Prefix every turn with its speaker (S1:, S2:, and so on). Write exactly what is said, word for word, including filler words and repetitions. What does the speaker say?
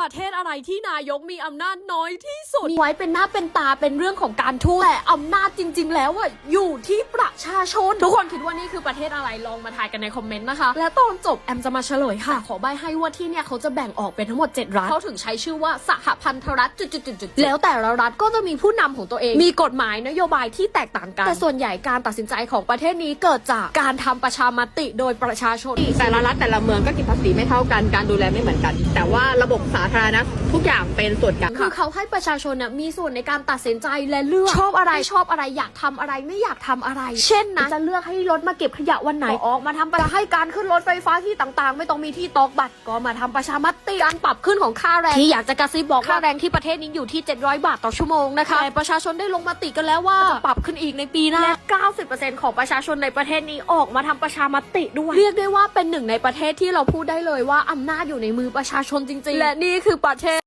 S1: ประเทศอะไรที่นายกมีอำนาจน้อยที่สุดมีไว้เป็นหน้าเป็นตาเป็นเรื่องของการทูตแต่อำนาจจริงๆแล้วอะอยู่ที่ประชาชนทุกคนคิดว่านี่คือประเทศอะไรลองมาทายกันในคอมเมนต์นะคะและตอนจบแอมจะมาเฉลยค่ะขอใบให้ว่าที่เนี่ยเขาจะแบ่งออกเป็นทั้งหมดเจ็ดรัฐเขาถึงใช้ชื่อว่าสหพันธรัฐจุดๆๆแล้วแต่ละรัฐก็จะมีผู้นำของตัวเองมีกฎหมายนโยบายที่แตกต่างกันแต่ส่วนใหญ่การตัดสินใจของประเทศนี้เกิดจากการทำประชามติโดยประชาชน
S2: แต่ละรัฐแต่ละเมืองก็เก็บภาษีไม่เท่ากันการดูแลไม่เหมือนกัน แต่ว่าระบบสาธารณะทุกอย่างเป็นส่วนกลาง
S1: คือเขาให้ประชาชนนะมีส่วนในการตัดสินใจและเลือกชอบอะไรชอบอะไรอยากทำอะไรไม่อยากทำอะไร เช่นนะจะเลือกให้รถมาเก็บขยะวันไหนออกมาทำประให้การขึ้นรถไฟฟ้าที่ต่างๆไม่ต้องมีที่ตอกบัตรก็มาทำประชามติการปรับขึ้นของค่าแรงที่อยากจะกระซิบบอกค่าแรงที่ประเทศนี้อยู่ที่เจ็ดร้อยบาทต่อชั่วโมงนะคะแต่ประชาชนได้ลงมติกันแล้วว่าจะปรับขึ้นอีกในปีหน้าและ เก้าสิบเปอร์เซ็นต์ ของประชาชนในประเทศนี้ออกมาทำประชามติด้วยเรียกได้ว่าเป็นหนึ่งในประเทศที่เราพูดได้เลยว่าอำนาจอยู่ในมือประชาชนจริงๆและนี่คือประเทศ